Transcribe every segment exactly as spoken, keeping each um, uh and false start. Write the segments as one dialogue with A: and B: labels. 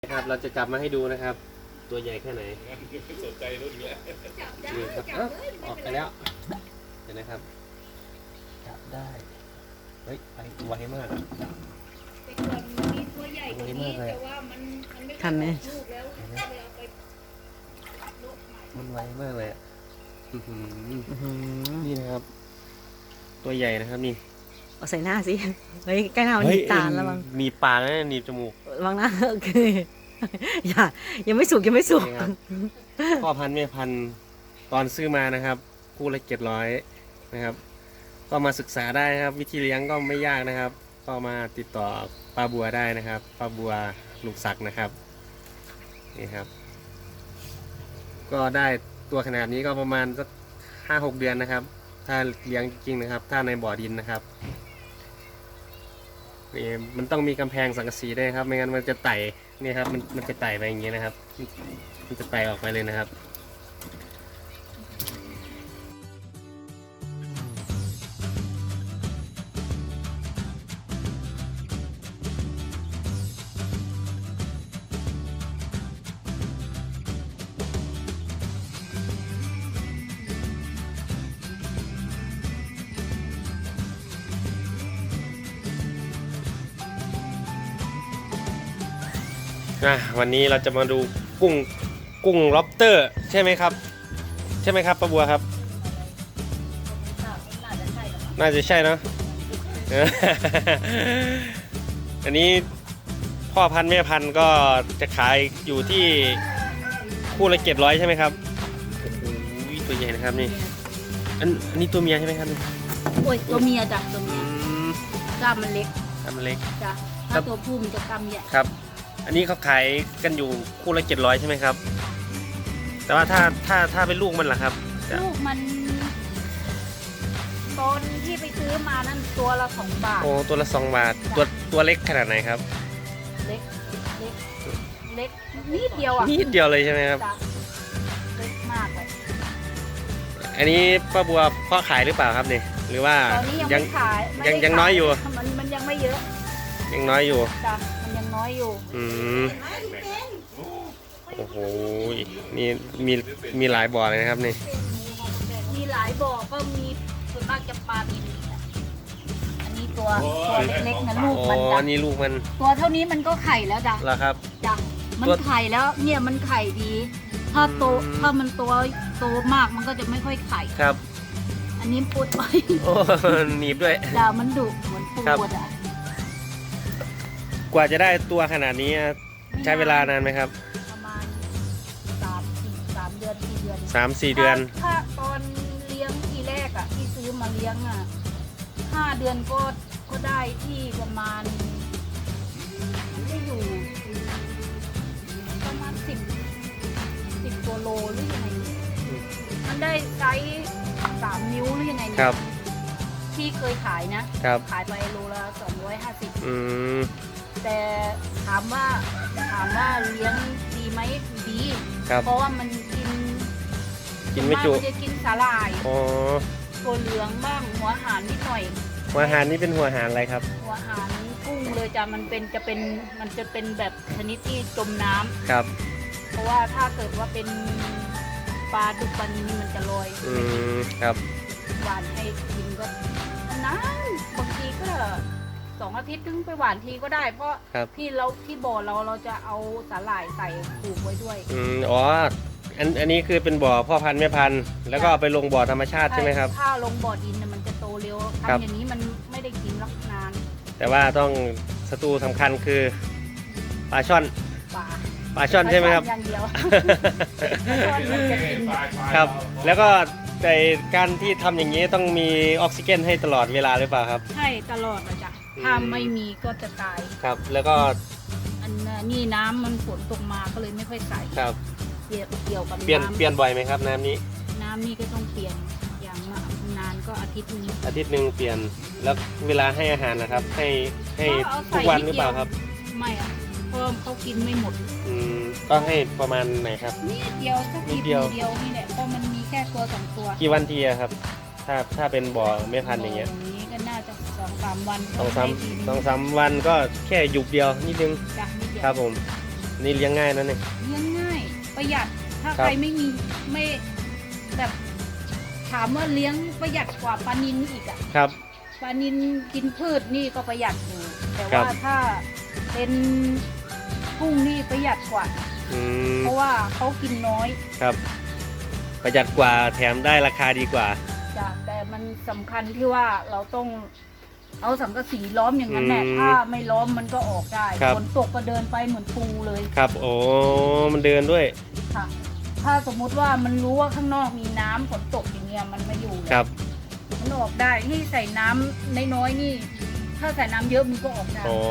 A: ครับเราจะจับมาให้ดูนะครับตัวใหญ่แค่ไหน
B: สนใจรุ่นนี้
A: นี่ครับอ้าวออกไปแล้วเห็นไหมครับจับได้เฮ้ยไปไวมาก
C: แต่ก่อนมีตัวใหญ่กว่านี้แต่ว่ามันมันไม่ทันลูกแล้วก็เลยเอาไปลดใหม่
A: มันไวมากเลยอ่ะนี่นะครับตัวใหญ่นะครับนี่
D: เอาใส่หน้าสิเฮ้ยใกล้หน้ามันมีตาแล้วมั้ง
A: มีปากแล้วหนีบจมูก
D: วางหน้าโอเคอย่ายังไม่สุกยังไม่สุก
A: พ่อพันธุ์แม่พันธุ์ตอนซื้อมานะครับคู่ละเจ็ดร้อยนะครับก็มาศึกษาได้นะครับวิธีเลี้ยงก็ไม่ยากนะครับก็มาติดต่อป้าบัวได้นะครับป้าบัวลูกศักดิ์นะครับนี่ครับก็ได้ตัวขนาดนี้ก็ประมาณสักห้าหกเดือนนะครับถ้าเลี้ยงจริงนะครับถ้าในบ่อดินนะครับนี่มันต้องมีกำแพงสังกะสีด้วยครับไม่งั้นมันจะไต่นี่ครับมันมันจะไต่ไปอย่างนี้นะครับมันจะไต่ออกไปเลยนะครับวันนี้เราจะมาดูกุ้งกุ้งล็อบสเตอร์ใช่ไหมครับใช่ไหมครับป้าบัวครับน่าจะใช่เนาะ อันนี้พ่อพันธุ์แม่พันธุ์ก็จะขายอยู่ที่คู่ละเจ็ดร้อยใช่ไหมครับโอ้โหตัวใหญ่นะครับนี่อันอันนี้ตัวเมียใช่ไหมครับ
C: โอ้ยตัวเมียจ้ะตัวเมียกล้ามมันเล็ก
A: กล้ามมันเล็ก
C: จ้ะถ้าตัวผู้มันจะกล้ามใหญ่
A: ครับอันนี้เขาขายกันอยู่คู่ละเจ็ดร้อยใช่ไหมครับแต่ว่าถ้าถ้าถ้าเป็นลูกมันล่ะครับ
C: ลูกมันตอนที่ไปซื้อมานั่นตัวละสองบาท
A: โอ้ตัวละสองบาทตัวตัวเล็กขนาดไหนครับ
C: เล็กเล็กเล็กนิดเดียวอ่ะ
A: นิดเดียวเลยใช่ไหมครับ
C: เล็กมากเลย
A: อันนี้ป้าบัวพ่อขายหรือเปล่าครับนี่หรือว่า
C: ตอนนี้ยังไม่ขาย
A: ยังยังน้อยอยู่
C: มันมันยังไม่เยอะ
A: ยังน้อยอยู่
C: จ้ะมันยังน้อยอยู่
A: อืมโอ้โหมีมีมีหลายบ่อเลยนะครับนี่
C: มีหลายบ่อก็มีส่วนมากจะปลาบินอันนี้ตัวตัวเล็กๆนะลูกมัน
A: อ๋อนี่ลูกมัน
C: ตัวเท่านี้มันก็ไข่แล้วจ้ะ
A: เหรอครับ
C: จ้ะมันไข่แล้วเนี่ยมันไข่ดีถ้าโตถ้ามันตัวโตมากมันก็จะไม่ค่อยไข่
A: ครับ
C: อันนี้ปูดไป
A: โอ้หนีบด้วย
C: จ้ะมันดุเหมือนปูดอ่ะ
A: กว่าจะได้ตัวขนาดนี้ใช้เวลานานไหมครับ
C: ประมาณสามสี่สามเดือนสี่เดือน
A: สามสี่เดือน
C: ถ้าตอนเลี้ยงทีแรกอ่ะที่ซื้อมาเลี้ยงอ่ะห้าเดือนก็ก็ได้ที่ประมาณได้อยู่ประมาณสิบสิบตัวโลหรือยังไงมันได้ไซส์สามนิ้วหรือยังไง
A: ครับ
C: ที่เคยขายนะขายไปโลละสองร้อยห้าสิบแต่ถามว่าถามว่าเลี้ยงดีไหมดีเพราะว่ามันกิน
A: กินไม่จุ
C: มันจะกินสาหร่ายตัวเหลืองบ้างหัวหารนิดหน่อย
A: หัวหารนี่เป็นหัวหารอะไรครับ
C: หัวหารกุ้งเลยจ้ะมันเป็นจะเป็นมันจะเป็นแบบชนิดที่จมน้ำ
A: ครับ
C: เพราะว่าถ้าเกิดว่าเป็นปลาดุกปลานี้มันจะลอย
A: อืมครับ
C: หวานให้กินก็นานบางทีก็สองอาทิตย์ถึงไปหวานทีก็ได้เพราะที่เราที่บ่อเราเราจะเอาสาหร่ายใส่ปลูกไว้ด้วย
A: อืมอ๋ออันอันนี้คือเป็นบ่อพ่อพันธุ์แม่พันธุ์แล้วก็ไปลงบ่อธรรมชาติใช่ไหมครับ
C: ถ้าลงบ่อดินมันจะโตเร็วทำอย่างนี้มันไม่ได้กินรักนาน
A: แต่ว่าต้องศัตรูสำคัญคือปลาช่อน
C: ปลา
A: ปลาช่อนใช่ไหมครับ
C: อย่างเดียว
A: ครับแล้วก็แต่การที่ทำอย่างนี้ต้องมีออกซิเจนให้ตลอดเวลาหรือเปล่าครับ
C: ใช่ตลอดเลยจ้ะถ้าไม่มีก็จะตาย
A: ครับแล้วก็
C: อันนี้น้ำมันฝนตกมาก็เลยไม่ค่อยใส่
A: ครับ
C: เกี่ยวเกี่ยวกับ
A: เปลี่ยนเปลี่ยนบ่อยไหมครับน้ำนี้
C: น้ำนี้ก็ต้องเปลี่ยนอย่างนานก็อาทิตย์นึง
A: อาทิตย์หนึ่งเปลี่ยนแล้วเวลาให้อาหารนะครับให้ให้ทุกวันหรือเปล่าครับ
C: ไม่อ่ะเพราะเขากินไม่หมด
A: อืมก็ให้ประมาณไหนครับ
C: นิดเดียวสักนิดเดียวนี่แหละเพราะมันมีแค่ตัวสองตัว
A: กี่วันทีครับถ้าถ้าเป็นบ่อไม่พันอย่างเงี้ย
C: นี้ก็น่าจะสองสามวัน
A: สองสามสองสามวันก็แค่หยุกเดียวนิดนึงครับผมนี่เลี้ยงง่ายนะเนี่ย
C: เลี้ยงง่ายประหยัดถ้า
A: ครับ
C: ใครไม่มีไม่แบบถามว่าเลี้ยงประหยัดกว่าปลานิลอีกอะ
A: ครับ
C: ปลานิลกินพืชนี่ก็ประหยัดอยู่แต่
A: ครั
C: ว่า
A: บ
C: ถ้าเป็นกุ้งนี่ประหยัดกว่า
A: อืม
C: เพราะว่าเขากินน้อย
A: ครับ ประหยัดกว่าแถมได้ราคาดีกว่า
C: จ้ะแต่มันสำคัญที่ว่าเราต้องเอาสังกะสีล้อมอย่างนั้นแหละ
A: อืม
C: ถ้าไม่ล้อมมันก็ออกได้
A: ครับ
C: ฝนตกก็เดินไปเหมือนปูเลย
A: ครับโอ้มันเดินด้วย
C: ค่ะ ถ้าสมมุติว่ามันรู้ว่าข้างนอกมีน้ำฝนตกอย่างเงี้ยมันไม่อยู่เลย
A: ครับ
C: มันออกได้นี่ใส่น้ำน้อยๆนี่ ถ้าใส่น้ำเยอะมันก็ออกได้
A: อ๋อ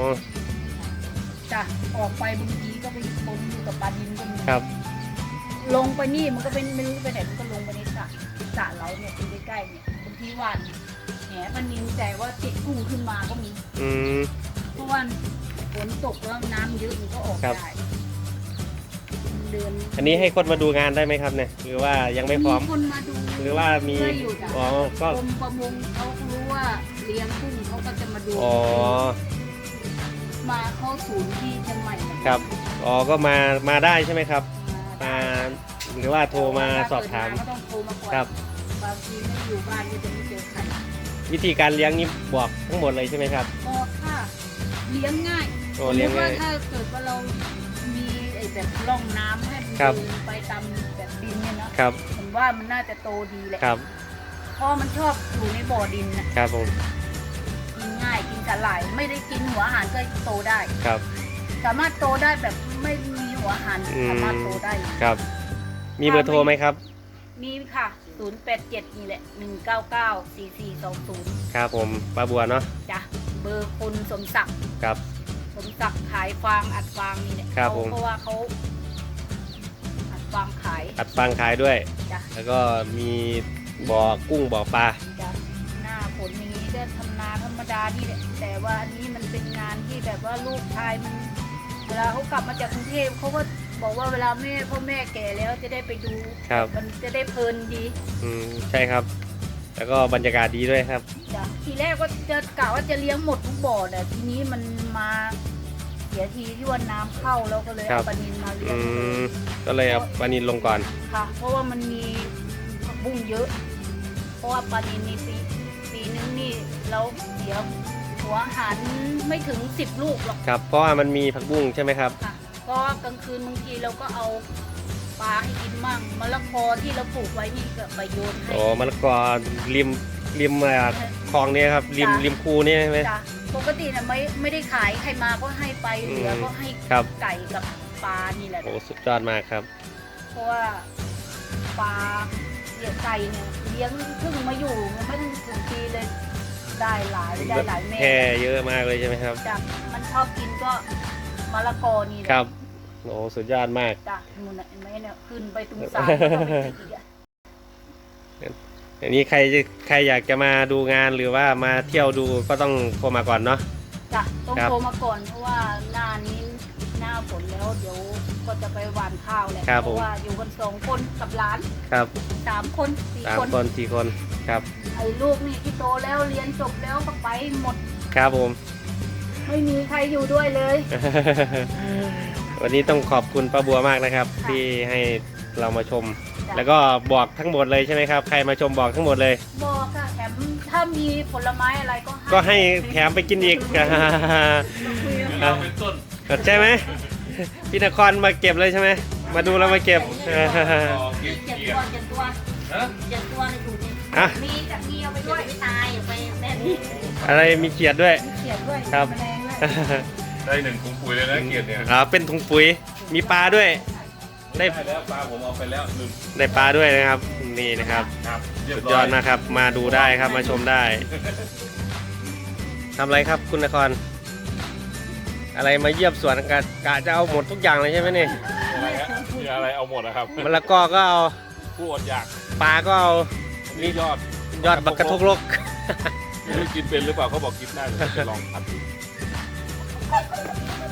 C: จ้ะออกไปบางทีก็ไปปนอยู่กับปลาดินก็มี
A: ครับ
C: ลงไปนี่มันก็เป็นไม่รู้ไปไหนมันก็ลงไปในสระสระเราเนี่ยอยู่ใกล้ๆเนี่ยบางทีหวานแหปลานินแต่ว่าติดกุ้งขึ้นมาก็มี
A: อืม
C: เพราะว่าฝนตกแล้วน้ำเยอะมันก็ออก
A: ครับ
C: ได้เดือน
A: อันนี้ให้คนมาดูงานได้ไหมครับเนี่ยหรือว่ายังไม่พร้อม
C: คนมาดู
A: หรือว่ามี
C: เพื่ออยู่จ้ะ
A: อ๋อก็
C: กรมประมงเขารู้ว่าเลี้ยงกุ้งเขาก็จะมาดู
A: อ๋อ
C: มาเข้าศูนย์ที่เชียงใหม่เหมือนกัน
A: ครับอ๋อก็มามาได้ใช่ไหมครับ
C: มา
A: มาหรือว่าโทรมาสอบถาม
C: ก็ต้องโทรมาก่อน
A: ครับ
C: บางทีไม่อยู่บ้านก็จะไม่เจอใคร
A: วิธีการเลี้ยงนี่บอกทั้งหมดเลยใช่ไหมครับ
C: ก็ถ้าเลี้ยงง่าย
A: โอ้เลี้ยงง่าย
C: สมมุติว่าถ้าเกิดว่าเรามีไอ้แบบร่องน้ำให้มัน
A: ครับ
C: เดินไปตามแบบดินเนี่ยนะครับ ผมว่ามันน่าจะโตดีแหละ
A: ครับ
C: เพราะมันชอบอยู่ในบ่อดินนะครับ
A: ผม
C: กินง่ายกินสาหร่ายไม่ได้กินหัวอาหารก็โตได้
A: ครับ
C: สามารถโตได้แบบไม่มีหัวอาหาร
A: อืม
C: สามารถโตได้เลย
A: ครับ มีเบอร์โทรไหมครับ
C: มีค่ะ ศูนย์ แปด เจ็ด นี่แหละ หนึ่ง เก้า เก้า สี่ สี่ สอง ศูนย์
A: ครับผมป้าบัวเนาะ
C: จ้ะ เบอร์คุณสมศักดิ์
A: ครับ
C: สมศักดิ์ขายฟางอัดฟางนี่แหละ
A: ครับ
C: เขา
A: ผม
C: เพราะว่าเขาอัดฟางขาย
A: อัดฟังขายด้วย
C: จ้ะ
A: แล้วก็มีบ่อกุ้งบ่อปลา
C: จ้ะหน้าฝนอย่างนี้ก็ทำนาธรรมดานี่แหละแต่ว่าอันนี้มันเป็นงานที่แบบว่าลูกชายมัน เวลาเขากลับมาจากกรุงเทพเขาก็บอกว่าเวลาแม่พ่อแม่แก่แล้วจะได้ไปดู
A: ครับ
C: มันจะได้เพลินดี
A: อืมใช่ครับ แล้วก็บรรยากาศดีด้วยครับ
C: จ้ะทีแรกก็จะกะว่าจะเลี้ยงหมดทุกบ่อแต่ทีนี้มันมาเสียทีที่ว่าน้ำเข้าแล้วก็เลย
A: ครั
C: เอา
A: บ
C: ปลานินมาเลี้ย
A: อื
C: ง
A: มก็เลยเอาปลานินลงก่อน
C: ค่ะ เพราะว่ามันมีผักบุ้งเยอะ เพราะว่าปลานินนี่ปีปีนึงนี่เราเสียหัวอาหารไม่ถึงสิบลูกหรอก
A: ครับ เพราะว่ามันมีผักบุ้งใช่ไหมครับ
C: ค่ะก็กลางคืนบางทีเราก็เอาปลาให้กินมั่งมะละกอที่เราปลูกไว้นี่ก็ไปโยนให้
A: โอ้มะละกอริมริมเอ่อคลองนี้ครับริม
C: จ้ะ
A: ริมคูนี่ใช่ไหม
C: จ้ะปกติน่ะไม่ไม่ได้ขายใครมาก็ให้ไปเหลือก็ให้
A: ครับ
C: ไก่กับปลานี่แหละ
A: โอ้สุดยอดมากครับ
C: เพราะว่าปลาเลี้ยงไก่เนี่ยเลี้ยงเพิ่งมาอยู่มันไม่ถึงถึงปีเลยได้หลายได้หลายแม่
A: แค่เยอะมากเลยใช่ไหมครับ
C: จ้ะมันชอบกินก็มะละกอนี่แหละ
A: ครับโอ้สุดยอดมาก
C: จ้ะนู่นน่ะเห็นไหมเนี่ยขึ้นไปตรงสายแล้วก็ไปติดอีกอะ
A: อันนี้ใครจะใครอยากจะมาดูงานหรือว่ามาเที่ยวดูก็ต้องโทรมาก่อนเนาะ
C: จ้ะต้อง
A: ครับ
C: โทรมาก่อนเพราะว่าหน้านี้หน้าฝนแล้วเดี๋ยวก็จะไปหว่านข้าวแหละ
A: ครับ
C: เพ
A: ผม
C: ราะว่าอยู่กันสองคนกับหลาน
A: ครับ
C: สามคนสี่
A: สาม
C: คน
A: คนสี่คนครับ
C: ไอ้ลูกนี่ที่โตแล้วเรียนจบแล้วก็ไปหมด
A: ครับผม
C: ไม่มีใครอยู่ด้วยเลย
A: วันนี้ต้องขอบคุณป้าบัวมากนะครับ
C: ค่ะ
A: ที่ให้เรามาชม
C: จ้ะ
A: แล้วก็บอกทั้งหมดเลยใช่ไหมครับ ใครมาชมบอกทั้งหมดเลย
C: บอกค่ะแถมถ้ามีผลไม้อะไรก็
A: ก็ให้แถมไปกินอีก
B: เราเป็นต้น
A: ใช่ไหมพี่นครมาเก็บเลยใช่ไหมมาดูแล้วมาเก็บ
B: ต่อเกีย
C: เจ็ด
B: เกีย
C: ตัวเจ็ดตัว
B: ฮะ
C: เจ็ดตัวในถุงนี้
A: อ่ะ
C: มีกับมีเอาไปด้วยไม่ตายอย่าไปแบบนี้
A: อะไรมีเขียดด้วย
C: มีเขียดด้วย
A: ครับ
C: แมลงด้วย
B: ได้หนึ่งถุงปุ๋ยเลยนะเกียรติเนี่ย
A: อ่าเป็นถุงปุ๋ยมีปลาด้วย ได้
B: ได้แล้วปลาผมเอาไปแล้วลืม
A: ได้ปลาด้วยนะครับนี่นะครับ
B: ครับเรียบ
A: สุด
B: ร้
A: ย
B: อ
A: อย ดนะครับ มาดูได้ครับมาชมได้ทำอะไรครับคุณนคร อะไรมาเยี่ยมสวนกะกะจะเอาหมดทุกอย่างเลยใช่ไหมนี่
B: อะไรฮะมีอะไรเอาหมดนะครับ
A: มะละกอก็เอา
B: ผู้อดอยาก
A: ปลาก็เอา
B: นี่ยอด
A: ยอดบักกระทกลก
B: ไม่รู้กินเป็นหรือเปล่าเขาบอกกินได้เดี๋ยวจะลองผัดดู